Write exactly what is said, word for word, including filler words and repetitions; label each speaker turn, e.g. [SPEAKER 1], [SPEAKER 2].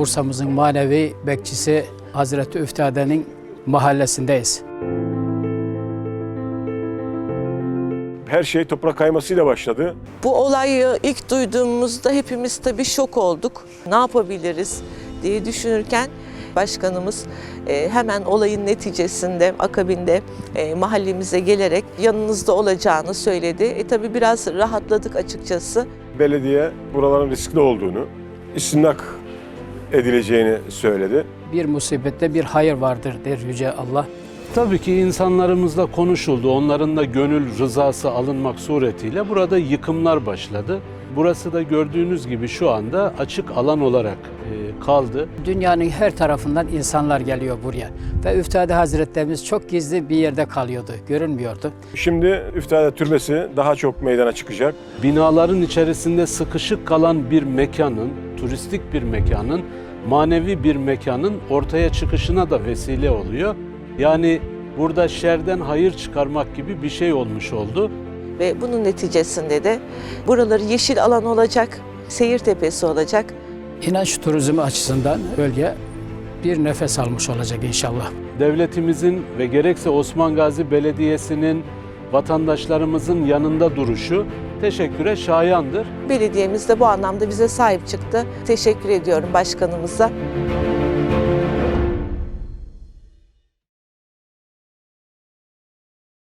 [SPEAKER 1] Bursa'mızın manevi bekçisi Hazreti Üftade'nin mahallesindeyiz.
[SPEAKER 2] Her şey toprak kaymasıyla başladı.
[SPEAKER 3] Bu olayı ilk duyduğumuzda hepimiz tabii şok olduk. Ne yapabiliriz diye düşünürken başkanımız e, hemen olayın neticesinde, akabinde e, mahallemize gelerek yanınızda olacağını söyledi. E tabii biraz rahatladık açıkçası.
[SPEAKER 2] Belediye buraların riskli olduğunu, istimlak edileceğini söyledi.
[SPEAKER 1] Bir musibette bir hayır vardır der Yüce Allah.
[SPEAKER 4] Tabii ki insanlarımızla konuşuldu. Onların da gönül rızası alınmak suretiyle burada yıkımlar başladı. Burası da gördüğünüz gibi şu anda açık alan olarak e, kaldı.
[SPEAKER 1] Dünyanın her tarafından insanlar geliyor buraya. Ve Üftade Hazretlerimiz çok gizli bir yerde kalıyordu, görünmüyordu.
[SPEAKER 2] Şimdi Üftade Türbesi daha çok meydana çıkacak.
[SPEAKER 4] Binaların içerisinde sıkışık kalan bir mekanın, turistik bir mekanın, manevi bir mekanın ortaya çıkışına da vesile oluyor. Yani burada şerden hayır çıkarmak gibi bir şey olmuş oldu.
[SPEAKER 3] Ve bunun neticesinde de buraları yeşil alan olacak, seyir tepesi olacak.
[SPEAKER 1] İnanç turizmi açısından bölge bir nefes almış olacak inşallah.
[SPEAKER 4] Devletimizin ve gerekse Osman Gazi Belediyesi'nin vatandaşlarımızın yanında duruşu teşekküre şayandır.
[SPEAKER 3] Belediyemiz de bu anlamda bize sahip çıktı. Teşekkür ediyorum başkanımıza.